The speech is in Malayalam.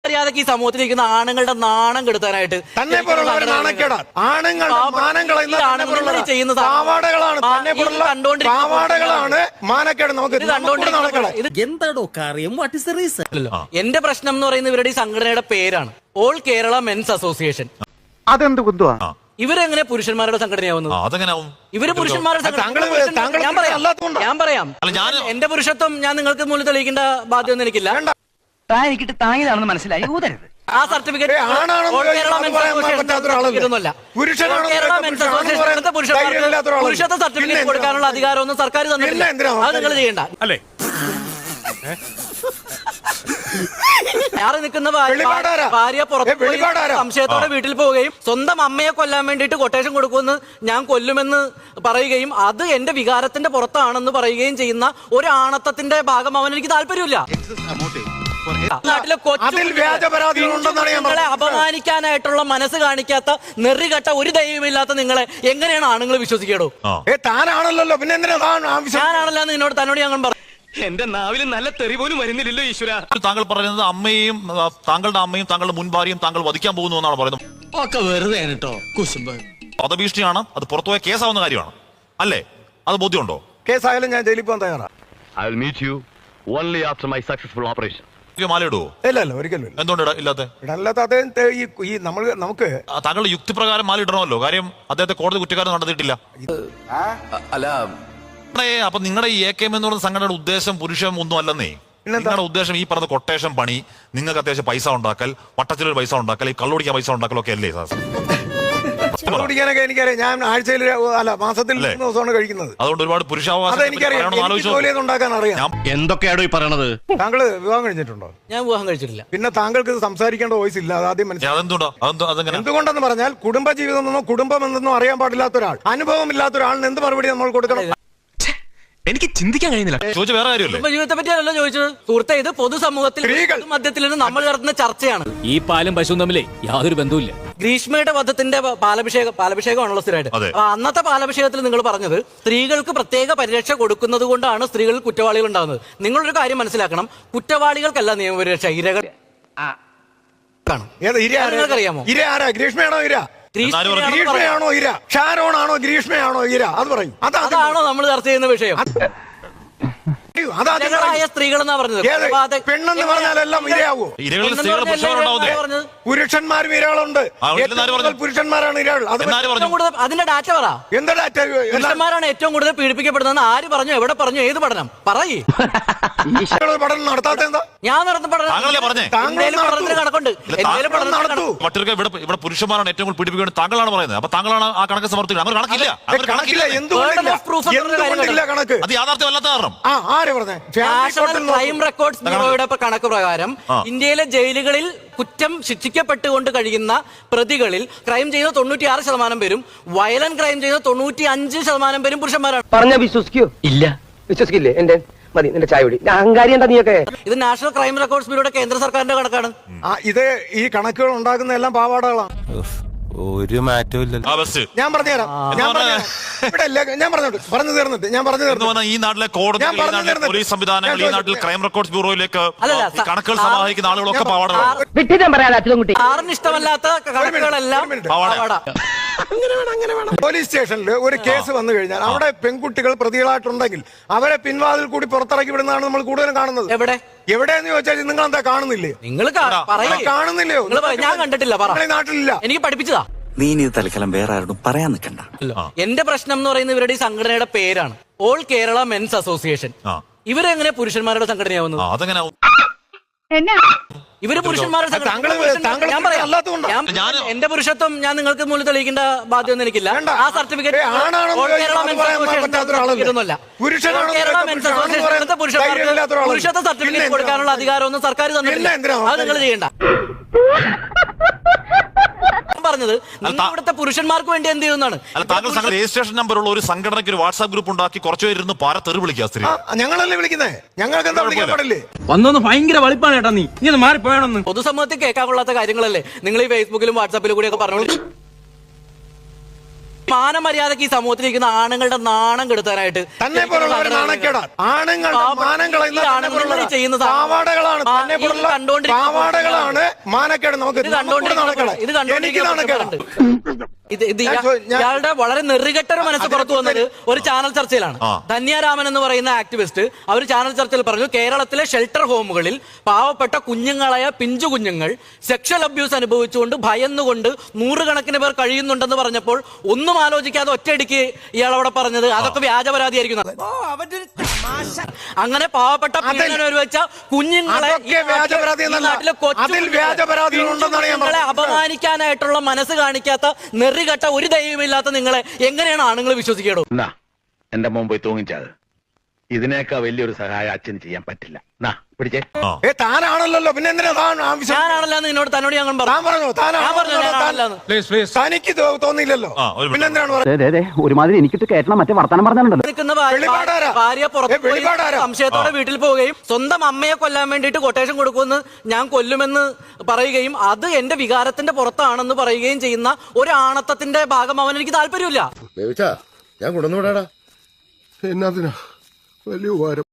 മര്യാദക്ക് ഈ സമൂഹത്തിലിരിക്കുന്ന ആണുങ്ങളുടെ നാണം കെടുത്താനായിട്ട് തന്നെ പോലുള്ളവർ നാണക്കേടാ. ആണുങ്ങളുടെ മാനം കളയുന്ന പാവാടകളാണ് മാനക്കേട്. നമുക്ക് എന്താടോ കാര്യം? What is the reason? എന്റെ പ്രശ്നം എന്ന് പറയുന്നത് ഇവരുടെ ഈ സംഘടനയുടെ പേരാണ് ഓൾ കേരള മെൻസ് അസോസിയേഷൻ. അതെന്ത് കുന്തുവാ? ഇവരെങ്ങനെ പുരുഷന്മാരുടെ സംഘടനയാവുന്നത്? ഇവര് പുരുഷന്മാരുടെ ഞാൻ പറയാം. എന്റെ പുരുഷത്വം ഞാൻ നിങ്ങൾക്ക് മുന്നിൽ തെളിയിക്കേണ്ട ബാധ്യത എനിക്കില്ല. എനിക്കിട്ട് താങ്ങിയതാണെന്ന് മനസ്സിലായി. ഊതരുത്. ആ സർട്ടിഫിക്കറ്റ് പുരുഷത്വ സർട്ടിഫിക്കറ്റ് കൊടുക്കാനുള്ള അധികാരമൊന്നും സർക്കാർ തന്നിട്ടില്ല. അത് നിങ്ങൾ ചെയ്യണ്ട. ഞാറ് നിൽക്കുന്ന ഭാര്യ പുറത്ത് സംശയത്തോടെ വീട്ടിൽ പോവുകയും സ്വന്തം അമ്മയെ കൊല്ലാൻ വേണ്ടിയിട്ട് കൊട്ടേഷൻ കൊടുക്കുമെന്ന് ഞാൻ കൊല്ലുമെന്ന് പറയുകയും അത് എന്റെ വികാരത്തിന്റെ പുറത്താണെന്ന് പറയുകയും ചെയ്യുന്ന ഒരു ആണത്തത്തിന്റെ ഭാഗമാവാൻ എനിക്ക് താല്പര്യമില്ല. നാട്ടിലെ നിങ്ങളെ അപമാനിക്കാനായിട്ടുള്ള മനസ്സ് കാണിക്കാത്ത നെറികെട്ട ഒരു ദൈവമില്ലാത്ത നിങ്ങളെ എങ്ങനെയാണ് ആണുങ്ങൾ വിശ്വസിക്കടോ? താനാണല്ലോ, പിന്നെ ഞാനാണല്ലോ തന്നോട് ഞങ്ങൾ പറഞ്ഞു. എന്റെ നാവിൽ നല്ല തെറി പോലും വരുന്നില്ലല്ലോ ഈശ്വര. താങ്കൾ പറയുന്നത് അമ്മയും താങ്കളുടെ അമ്മയും താങ്കളുടെ മുൻ ഭാര്യയും താങ്കൾ വധിക്കാൻ പോകുന്നു എന്നാണ് പറയുന്നത്. ഒക്കെ വെറുതെ കേട്ടോ കുശുമ്പ്. വധഭീഷണിയാണ്, അത് പുറത്തുപോയ കേസാവുന്ന കാര്യമാണ് അല്ലേ? അത് ബോധ്യമുണ്ടോ? കേസായാലും ഞാൻ ജയിലിൽ പോകാൻ തയ്യാറാണ്. I will meet you only after my successful operation. മാലയിടുവോ? ഇല്ല ഒരിക്കലും. എന്തുകൊണ്ട് ഇല്ലാത്ത? നമുക്ക് താങ്കളുടെ യുക്തിപ്രകാരം മാല ഇടണമല്ലോ. കാര്യം അദ്ദേഹത്തെ കോടതി കുറ്റക്കാരൻ നടത്തിയിട്ടില്ല. അല്ല, അപ്പൊ നിങ്ങളുടെ ഈ AKM എന്ന് പറയുന്ന സംഘടനയുടെ ഉദ്ദേശം പുരുഷം ഒന്നും അല്ലെന്നേ. നിങ്ങളുടെ ഉദ്ദേശം ഈ പറഞ്ഞ കൊട്ടേഷൻ പണി, നിങ്ങൾക്ക് അത്യാവശ്യം പൈസ ഉണ്ടാക്കൽ, വട്ടച്ചിലൊരു പൈസ ഉണ്ടാക്കൽ, ഈ കള്ളുടിക്കാൻ പൈസ ഉണ്ടാക്കലൊക്കെ അല്ലേ? കുടിക്കാനൊക്കെ എനിക്കറിയാം. ഞാൻ ആഴ്ചയിൽ മാസത്തിൽ 3 ദിവസമാണ് കഴിക്കുന്നത്. അതുകൊണ്ട് ഒരുപാട് പുരുഷാവകാശം ഉണ്ടാക്കാൻ അറിയാം. എന്തൊക്കെയാണോ ഈ പറയണത്? താങ്കൾ വിവാഹം കഴിച്ചിട്ടുണ്ടോ? ഞാൻ വിവാഹം കഴിച്ചിട്ടില്ല. പിന്നെ താങ്കൾക്ക് സംസാരിക്കേണ്ട വോയിസ് ഇല്ല. അത് ആദ്യം മനസ്സിലായി. എന്തുകൊണ്ടെന്ന് പറഞ്ഞാൽ കുടുംബ ജീവിതമെന്നോ കുടുംബം എന്തെന്നോ അറിയാൻ പാടില്ലാത്ത ഒരാൾ, അനുഭവം ഇല്ലാത്ത ഒരാളിന് എന്ത് മറുപടി നമ്മൾ കൊടുക്കണം? എനിക്ക് ചിന്തിക്കാൻ കഴിയുന്നില്ല. ചോദിച്ച വേറെ കാര്യമല്ലേ? ജീവിതത്തെ പറ്റിയല്ലോ ചോദിച്ചത്. സുഹൃത്തെ, ഇത് പൊതുസമൂഹത്തിൽ മധ്യത്തിൽ നിന്ന് നമ്മൾ നടത്തുന്ന ചർച്ചയാണ്. ഈ പാലും പശുവും തമ്മിലേ യാതൊരു ബന്ധവുമില്ല. ഗ്രീഷ്മയുടെ വധത്തിന്റെ പാലഭിഷേകമാണല്ലോ സ്ഥിരമായിട്ട്. അന്നത്തെ പാലഭിഷേകത്തിൽ നിങ്ങൾ പറഞ്ഞത് സ്ത്രീകൾക്ക് പ്രത്യേക പരിരക്ഷ കൊടുക്കുന്നത് കൊണ്ടാണ് സ്ത്രീകൾ കുറ്റവാളികൾ ഉണ്ടാകുന്നത്. നിങ്ങളൊരു കാര്യം മനസ്സിലാക്കണം, കുറ്റവാളികൾക്കല്ല നിയമപരിരക്ഷ, ഇരകൾ. അറിയാമോ ഗ്രീഷ്മയാണോ ഇര? ഗ്രീഷ്മയാണോ ഇര? ഷാരോണാണോ ഗ്രീഷ്മയാണോ ഇര? അത് പറയും. അതാണോ നമ്മൾ ചർച്ച ചെയ്യുന്ന വിഷയം? സ്ത്രീകൾ എന്നാ പറഞ്ഞത്. പെണ്ണെന്ന് പറഞ്ഞാലെല്ലാം ഇരയാവോ? പുരുഷന്മാരും ഇരകളുണ്ട്. പുരുഷന്മാരാണ് ഇരകൾ. അതിന്റെ ഡാറ്റ പറ. എന്താ ഡാറ്റ? പുരുഷന്മാരാണ് ഏറ്റവും കൂടുതൽ പീഡിപ്പിക്കപ്പെടുന്നത്. ആര് പറഞ്ഞു? എവിടെ പറഞ്ഞു? ഏത് പഠനം പറയേ? പഠനം നടത്താത്ത എന്താ? ഞാൻ നടത്തുന്ന പഠനത്തിന് കണക്കുണ്ട്. ഇവിടെ പുരുഷന്മാരാണ് ഏറ്റവും കൂടുതൽ പീഡിപ്പിക്കുന്നത് താങ്കളാണ് പറയുന്നത്. അപ്പൊ താങ്കളാണ് ആ കണക്ക് സമർത്ഥിക്കുന്നത്. കണക്ക് അത് യാഥാർത്ഥ്യമല്ലാത്ത കാരണം നാഷണൽ ക്രൈം റെക്കോർഡ്സ് ബ്യൂറോയുടെ കണക്ക് പ്രകാരം ഇന്ത്യയിലെ ജയിലുകളിൽ കുറ്റം ശിക്ഷിക്കപ്പെട്ടുകൊണ്ട് കഴിയുന്ന പ്രതികളിൽ ക്രൈം ചെയ്ത 96% പേരും വയലന്റ് ക്രൈം ചെയ്ത 95% പേരും പുരുഷന്മാരാണ്. പറഞ്ഞ വിശ്വസിക്കോ? ഇല്ല, വിശ്വസിക്കില്ലേ? എന്റെ മതി നിന്റെ ചായ കുടി. അഹങ്കാരി എന്താ നീയൊക്കെ? ഇത് നാഷണൽ ക്രൈം റെക്കോർഡ്സ് ബ്യൂറോയുടെ കേന്ദ്ര സർക്കാരിന്റെ കണക്കാണ്. ഇത് ഈ കണക്കുകൾ ഉണ്ടാക്കുന്ന എല്ലാം പാവാടകളാണ്. ഒരു മാറ്റവും ഇല്ല. ഞാൻ പറഞ്ഞുതരാം. പറഞ്ഞു തീർന്നിട്ട് ഈ നാട്ടിലെ കോടതി, പോലീസ് സംവിധാനങ്ങൾ, ഈ നാട്ടിൽ ക്രൈം റെക്കോർഡ്സ് ബ്യൂറോയിലേക്ക് കണക്കുകൾ സമാഹരിക്കുന്ന ആളുകളൊക്കെ പാവാടകളാണ്. ആറിന് ഇഷ്ടമല്ലാത്ത കണക്കുകളെല്ലാം പാവാട. പോലീസ് സ്റ്റേഷനിൽ ഒരു കേസ് വന്നു കഴിഞ്ഞാൽ അവിടെ പെൺകുട്ടികൾ പ്രതികളായിട്ടുണ്ടെങ്കിൽ അവരെ പിൻവാതിൽ കൂടി പുറത്തിറക്കി വിടുന്നതാണ് നമ്മൾ കൂടുതലും കാണുന്നത്. എവിടെയെന്ന് ചോദിച്ചാൽ നിങ്ങൾ എന്താ കാണുന്നില്ലേ? നിങ്ങൾ കാണുന്നില്ലയോ? ഞാൻ കണ്ടിട്ടില്ല. നാട്ടിലില്ല. എനിക്ക് പഠിപ്പിച്ചതാ. നീ ഇത് തൽക്കാലം വേറെ ആരോടും പറയാൻ നിൽക്കണ്ട. എന്റെ പ്രശ്നം എന്ന് പറയുന്നത് ഇവരുടെ ഈ സംഘടനയുടെ പേരാണ് ഓൾ കേരള മെൻസ് അസോസിയേഷൻ. ഇവരെങ്ങനെ പുരുഷന്മാരുടെ സംഘടനയാവുന്നു? ഇവര് പുരുഷന്മാരുടെ എന്റെ പുരുഷത്വം ഞാൻ നിങ്ങൾക്ക് മുന്നിൽ തെളിയിക്കേണ്ട ബാധ്യത എനിക്കില്ല. ആ സർട്ടിഫിക്കറ്റ് പുരുഷത്വ സർട്ടിഫിക്കറ്റ് കൊടുക്കാനുള്ള അധികാരമൊന്നും സർക്കാർ തന്നിട്ടില്ല. അത് നിങ്ങൾ ചെയ്യണ്ട. പറഞ്ഞത് ഇവിടുത്തെ പുരുഷന്മാർക്ക് വേണ്ടി എന്ത് ചെയ്യുന്നതാണ്. രജിസ്ട്രേഷൻ നമ്പർ ഉള്ള ഒരു സംഘടനയ്ക്ക് ഒരു വാട്സ്ആപ്പ് ഗ്രൂപ്പ് ഉണ്ടാക്കി കുറച്ചുപേരിരുന്ന് തെറി വിളിക്കുക. സ്ത്രീ ഞങ്ങളല്ലേ വിളിക്കുന്നത്? ഞങ്ങൾക്ക് എന്താ വിളിക്കാൻ പാടില്ലേ? വന്നൊന്ന് ഭയങ്കര വളിപ്പാണ് കേട്ടാ. നീ ഇത് മാറിപ്പോയാണെന്ന് പൊതുസമൂഹത്തിൽ കേൾക്കാൻ കൊള്ളാത്ത കാര്യങ്ങളല്ലേ നിങ്ങൾ ഈ ഫേസ്ബുക്കിലും വാട്സാപ്പിലും കൂടി ഒക്കെ പറഞ്ഞു. മാനമര്യാദക്ക് ഈ സമൂഹത്തിലിരിക്കുന്ന ആണുങ്ങളുടെ നാണം കെടുത്താനായിട്ട് തന്നെ പോലുള്ളവർ നാണക്കേടാണ്. ആണുങ്ങളുടെ മാനം കളയുന്ന തന്നെ പോലുള്ള ചെയ്യുന്ന പാവാടകളാണ്. തന്നെ പോലുള്ള പാവാടകളാണ് മാനക്കേട്. നമുക്ക് ഇത് എനിക്ക് നാണക്കേടാണ്. ഇയാളുടെ വളരെ നെറുകെട്ടൊരു മനസ്സ് പുറത്തു വന്നത് ഒരു ചാനൽ ചർച്ചയിലാണ്. ധന്യാരാമൻ എന്ന് പറയുന്ന ആക്ടിവിസ്റ്റ് അവർ ചാനൽ ചർച്ചയിൽ പറഞ്ഞു, കേരളത്തിലെ ഷെൽട്ടർ ഹോമുകളിൽ പാവപ്പെട്ട കുഞ്ഞുങ്ങളായ പിഞ്ചു കുഞ്ഞുങ്ങൾ സെക്ഷൽ അബ്യൂസ് അനുഭവിച്ചുകൊണ്ട് ഭയന്നുകൊണ്ട് നൂറുകണക്കിന് പേർ കഴിയുന്നുണ്ടെന്ന് പറഞ്ഞപ്പോൾ ഒന്നും ആലോചിക്കാതെ ഒറ്റയടിക്ക് ഇയാൾ അവിടെ പറഞ്ഞത് അതൊക്കെ വ്യാജ പരാതിയായിരിക്കും. അങ്ങനെ പാവപ്പെട്ട വെച്ച കുഞ്ഞുങ്ങളെ കുഞ്ഞുങ്ങളെ അപമാനിക്കാനായിട്ടുള്ള മനസ്സ് കാണിക്കാത്ത നെറികെട്ട ഒരു ദൈവമില്ലാത്ത നിങ്ങളെ എങ്ങനെയാണ് ആണുങ്ങൾ വിശ്വസിക്കേണ്ടോ? എന്റെ മുമ്പ് പോയി തൂങ്ങിച്ചത് ഇതിനേക്കാൾ വലിയൊരു സഹായം അച്ഛന് ചെയ്യാൻ പറ്റില്ല. പിടിച്ചേ. താനാണല്ലോ, പിന്നെ എന്തിനാ താൻ ആവശ്യം? ഞാനാണല്ലോ തന്നോട് ഞങ്ങൾ തനിക്ക് തോന്നിയില്ലല്ലോ, പിന്നെ എന്തിനാണ് പറഞ്ഞത്? ഒരുമാതിരി എനിക്കിട്ട് കേട്ടണം മറ്റേ വർത്താനം പറഞ്ഞിട്ടുണ്ടല്ലോ. ഭാര്യ പുറത്ത് സംശയത്തോടെ വീട്ടിൽ പോവുകയും സ്വന്തം അമ്മയെ കൊല്ലാൻ വേണ്ടിയിട്ട് കൊട്ടേഷൻ കൊടുക്കുമെന്ന് ഞാൻ കൊല്ലുമെന്ന് പറയുകയും അത് എന്റെ വികാരത്തിന്റെ പുറത്താണെന്ന് പറയുകയും ചെയ്യുന്ന ഒരു ആണത്തത്തിന്റെ ഭാഗമാവാൻ എനിക്ക് താല്പര്യമില്ല. ഞാൻ കൊണ്ടുവന്നു വിടാടാ. എന്നാ വലിയ ഉപകാരം.